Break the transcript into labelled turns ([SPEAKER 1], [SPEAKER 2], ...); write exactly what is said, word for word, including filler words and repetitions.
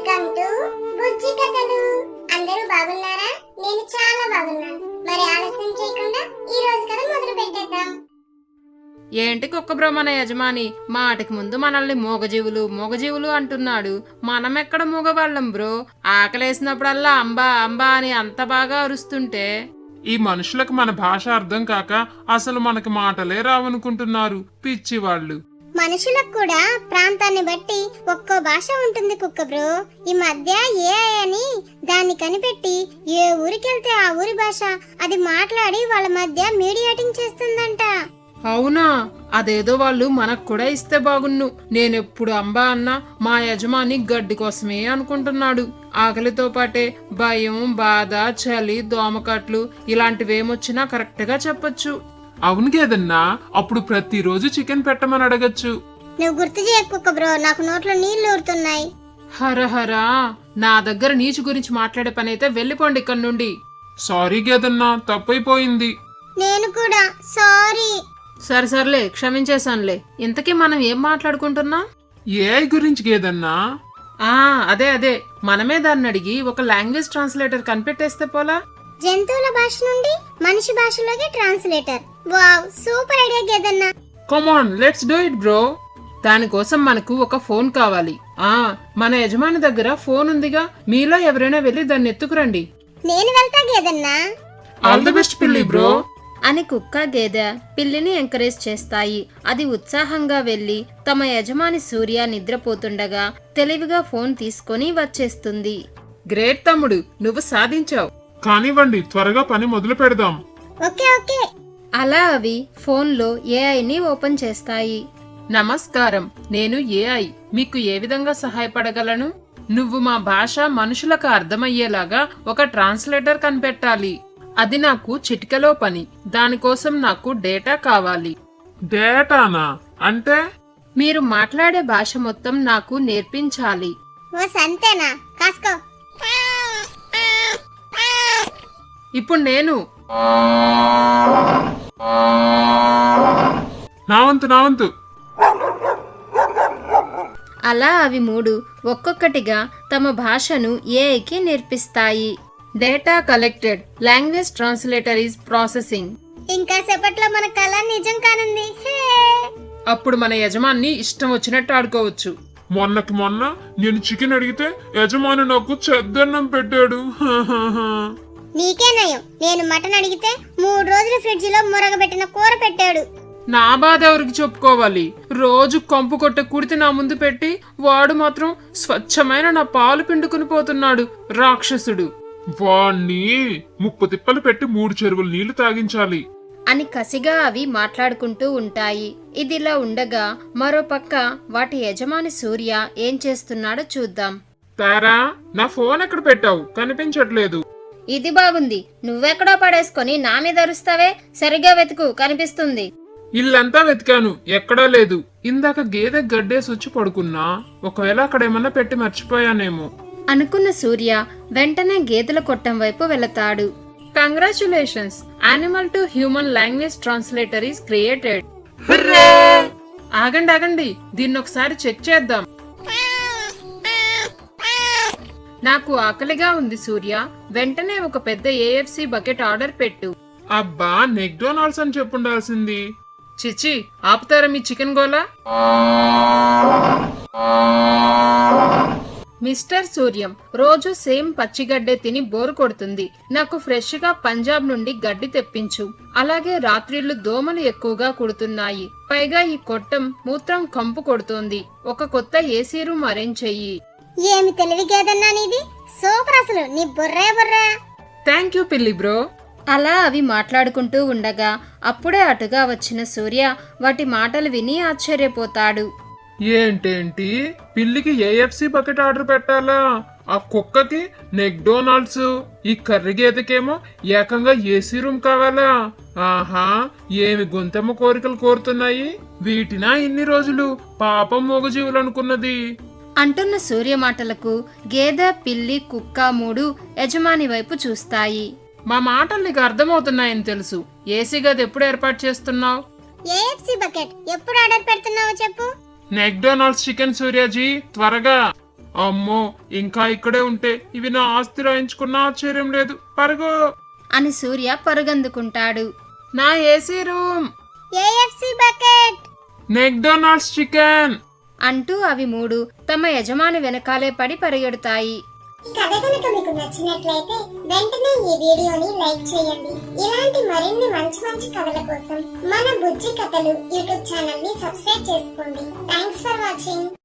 [SPEAKER 1] Welcome to బుజ్జి కథలు. అందరూ బాగున్నారా? నేను చాలా బాగున్నాను. మరి ఆలస్యం చేయకుండా ఈ రోజు కథ మొదలు పెట్టేద్దాం.
[SPEAKER 2] ఏంటి కుక్క బ్రో మన యజమాని మాటికి ముందు మనల్ని మూగజీవులు మూగజీవులు అంటున్నాడు. మనమెక్కడ మూగవాళ్ళం బ్రో? ఆకలేసినప్పుడల్లా అంబా అంబా అని అంత బాగా అరుస్తుంటే
[SPEAKER 3] ఈ మనుషులకు మన భాష అర్థం కాక అసలు మనకి మాటలే రావనుకుంటున్నారు పిచ్చి వాళ్ళు.
[SPEAKER 1] మనుషులకు కూడా ప్రాంతాన్ని బట్టి ఒక్కో భాష ఉంటుంది కుక్క బ్రో. ఈ మధ్య ఏఐ అని దాన్ని కనిపెట్టి ఏ ఊరికెళ్తే ఆ ఊరి భాష అది మాట్లాడి వాళ్ళ మధ్య మీడియేటింగ్ చేస్తుందంట.
[SPEAKER 2] అవునా? అదేదో వాళ్ళు మనకు కూడా ఇస్తే బాగున్ను. నేనెప్పుడు అంబా అన్నా మా యజమాని గడ్డి కోసమే అనుకుంటున్నాడు. ఆకలితో పాటే భయం, బాధ, చలి, దోమకట్లు ఇలాంటివేమొచ్చినా కరెక్ట్ గా చెప్పొచ్చు.
[SPEAKER 3] అవును గేదన్నా, అప్పుడు ప్రతిరోజు చికెన్ పెట్టమని అడగచ్చు.
[SPEAKER 1] నువ్వు గుర్తు చేయకు కుక్క బ్రో, నాకు నోట్లో నీళ్లు ఊరుతున్నాయి.
[SPEAKER 2] హరహరా, నా దగ్గర నీచు గురించి మాట్లాడే పని అయితే వెళ్ళిపోండి ఇక్కడి నుండి.
[SPEAKER 3] సారీ గేదన్నా, తప్పైపోయింది.
[SPEAKER 1] నేను కూడా సారీ.
[SPEAKER 2] సరే సర్లే, క్షమించేశానులే. ఇంతకీ మనం ఏం మాట్లాడుకుంటున్నాం?
[SPEAKER 3] ఏఐ గురించి గేదన్నా.
[SPEAKER 2] ఆ అదే అదే మనమే దాన్ని అడిగి ఒక లాంగ్వేజ్ ట్రాన్స్లేటర్ కనిపెట్టేస్తే పోలా?
[SPEAKER 1] జంతువుల భాష నుండి మనిషి భాషలోకి ట్రాన్స్లేటర్. వావ్, సూపర్ ఐడియా గేదన్నా.
[SPEAKER 3] Come on, let's do it bro.
[SPEAKER 2] దానికోసం మనకు ఒక ఫోన్ కావాలి. ఆ మన యజమాని దగ్గర ఫోన్ ఉందిగా, మీలో ఎవరైనా వెళ్ళి దాన్ని ఎత్తుకురండి.
[SPEAKER 1] నేను వెళ్తా గేదన్నా.
[SPEAKER 3] ఆల్ ది బెస్ట్ పిల్లి బ్రో
[SPEAKER 2] అని కుక్క గేదె పిల్లిని ఎంకరేజ్ చేస్తాయి. అది ఉత్సాహంగా వెళ్లి తమ యజమాని సూర్య నిద్రపోతుండగా తెలివిగా ఫోన్ తీసుకొని వచ్చేస్తుంది. గ్రేట్ తమ్ముడు, నువ్వు సాధించావు.
[SPEAKER 3] కానివ్వండి, త్వరగా పని మొదలు పెడదాం.
[SPEAKER 1] Okay okay.
[SPEAKER 2] అలా అవి ఫోన్లో ఏఐని ఓపెన్ చేస్తాయి. నమస్కారం, నేను ఏఐ. మీకు ఏ విధంగా సహాయపడగలను? నువ్వు మా భాష మనుషులకు అర్థమయ్యేలాగా ఒక ట్రాన్స్లేటర్ కనిపెట్టాలి. అది నాకు చిటికలో పని. దానికోసం నాకు డేటా కావాలి.
[SPEAKER 3] డేటానా అంటే?
[SPEAKER 2] మీరు మాట్లాడే భాష మొత్తం నాకు నేర్పించాలి.
[SPEAKER 1] ఓ సంతేనా, కాసుకో.
[SPEAKER 2] ఇప్పుడు నేను
[SPEAKER 3] నా వంతు నా వంతు.
[SPEAKER 2] అలా అవి మూడు ఒక్కొక్కటిగా తమ భాషను ఏఐకి నేర్పిస్తాయి. Data collected. Language translator is processing.
[SPEAKER 1] ఇంకా సేపట్లో మన కళ నిజం కానుంది. హే!
[SPEAKER 2] అప్పుడు మన యజమాన్ని ఇష్టం వచ్చినట్టు ఆడుకోవచ్చు.
[SPEAKER 3] మొన్నకి మొన్న నేను చికెన్ అడిగితే యజమాని నాకు చెద్దన్నం పెట్టాడు.
[SPEAKER 1] నీకే నయం, నేను మటన్ అడిగితే మూడు రోజులు ఫ్రిడ్జ్ లో మురగబెట్టిన కూర పెట్టాడు.
[SPEAKER 2] నా బాధ ఎవరికి చెప్పుకోవాలి? రోజు కంపు కొట్టే కుడితి నా ముందు పెట్టి వాడు మాత్రం స్వచ్ఛమైన నా పాలు పిండుకుని పోతున్నాడు రాక్షసుడు.
[SPEAKER 3] వాణ్ణి ముప్పు తిప్పలు పెట్టి మూడు చెరువులు నీళ్లు తాగించాలి
[SPEAKER 2] అని కసిగా అవి మాట్లాడుకుంటూ ఉంటాయి. ఇదిలా ఉండగా మరోపక్క వాటి యజమాని సూర్య ఏం చేస్తున్నాడో చూద్దాం.
[SPEAKER 3] తారా, నా ఫోన్ ఎక్కడ పెట్టావు? కనిపించట్లేదు.
[SPEAKER 2] ఇది బాగుంది. నువ్వెక్కడో పడేసుకొని నా మీద అరుస్తావే. సరిగా వెతుకు, కనిపిస్తుంది.
[SPEAKER 3] ఇల్లంతా వెతికాను, ఎక్కడా లేదు. ఇందాక గేదె గడ్డేసి వచ్చి పడుకున్నా. ఒకవేళ అక్కడేమన్నా పెట్టి మర్చిపోయానేమో
[SPEAKER 2] అనుకున్న సూర్య వెంటనే గేదెల కొట్టం వైపు వెళతాడు. Congratulations, animal to human language translator is created. ఆగండి ఆగండి, దీన్ని ఒకసారి చెక్ చేద్దాం. నాకు ఆకలిగా ఉంది సూర్య. వెంటనే ఒక పెద్ద ఏఎఫ్సి బకెట్ ఆర్డర్ పెట్టు.
[SPEAKER 3] అబ్బా, మెక్డొనాల్డ్స్ అని చెప్పుండాల్సింది.
[SPEAKER 2] చిచి, ఆపుతారా మీ చికెన్ గోలా? మిస్టర్ సూర్యం, రోజు సేమ్ పచ్చిగడ్డే తిని బోరు కొడుతుంది. నాకు ఫ్రెష్ గా పంజాబ్ నుండి గడ్డి తెప్పించు. అలాగే రాత్రిళ్లు దోమలు ఎక్కువగా కుడుతున్నాయి. పైగా ఈ కొట్టం మూత్రం కంపు కొడుతోంది. ఒక కొత్త ఏసీ రూమ్ అరేంజ్ చెయ్యి.
[SPEAKER 1] ఏమి తెలివి గేదన్నా నీది, సూపర్. అసలు నీ బుర్రే బుర్రా.
[SPEAKER 2] థ్యాంక్ యూ పిల్లి బ్రో. అలా అవి మాట్లాడుకుంటూ ఉండగా అప్పుడే అటుగా వచ్చిన సూర్య వాటి మాటలు విని ఆశ్చర్యపోతాడు.
[SPEAKER 3] ఏంటేంటి, పిల్లికి ఏఎఫ్సి బకెట్ ఆర్డర్ పెట్టాలా? ఆ కుక్కకి మెక్డొనాల్డ్స్, ఈ కర్రీ గేదెకేమో ఏకంగా ఏసీ రూమ్ కావాలా? ఆహా, ఏమి గొంతెమ్మ కోరికలు కోరుతున్నాయి. వీటినా ఇన్ని రోజులు పాపం మూగజీవులు అనుకున్నది.
[SPEAKER 2] అంటున్న సూర్య మాటలకు గేదె, పిల్లి, కుక్క మూడు యజమాని వైపు చూస్తాయి. మా మాటలు నీకు అర్థమవుతున్నాయని తెలుసు. ఏసీ గది ఎప్పుడు ఏర్పాటు చేస్తున్నావు?
[SPEAKER 1] ఏఎఫ్సి బకెట్ ఎప్పుడు ఆర్డర్ పెడుతున్నావో చెప్పు.
[SPEAKER 3] మెక్డొనాల్డ్స్ చికెన్ సూర్యాజీ, త్వరగా. అమ్మో ఇంకా ఇక్కడే ఉంటే ఇవి నా ఆస్తి రాయించుకున్న ఆశ్చర్యం లేదు. పరుగు.
[SPEAKER 4] అని సూర్య పరుగందుకుంటాడు.
[SPEAKER 2] నా AC room.
[SPEAKER 1] AFC bucket.
[SPEAKER 3] McDonald's chicken
[SPEAKER 4] అంటూ అవి మూడు తమ యజమాని వెనకాలే పడి పరిగెడతాయి.
[SPEAKER 1] ఈ కథ కనుక మీకు నచ్చినట్లయితే వెంటనే ఈ వీడియోని లైక్ చేయండి. ఇలాంటి మరిన్ని మంచి మంచి కథల కోసం మన బుజ్జి కథలు యూట్యూబ్ ఛానల్ ని సబ్స్క్రైబ్ చేసుకోండి. Thanks for watching.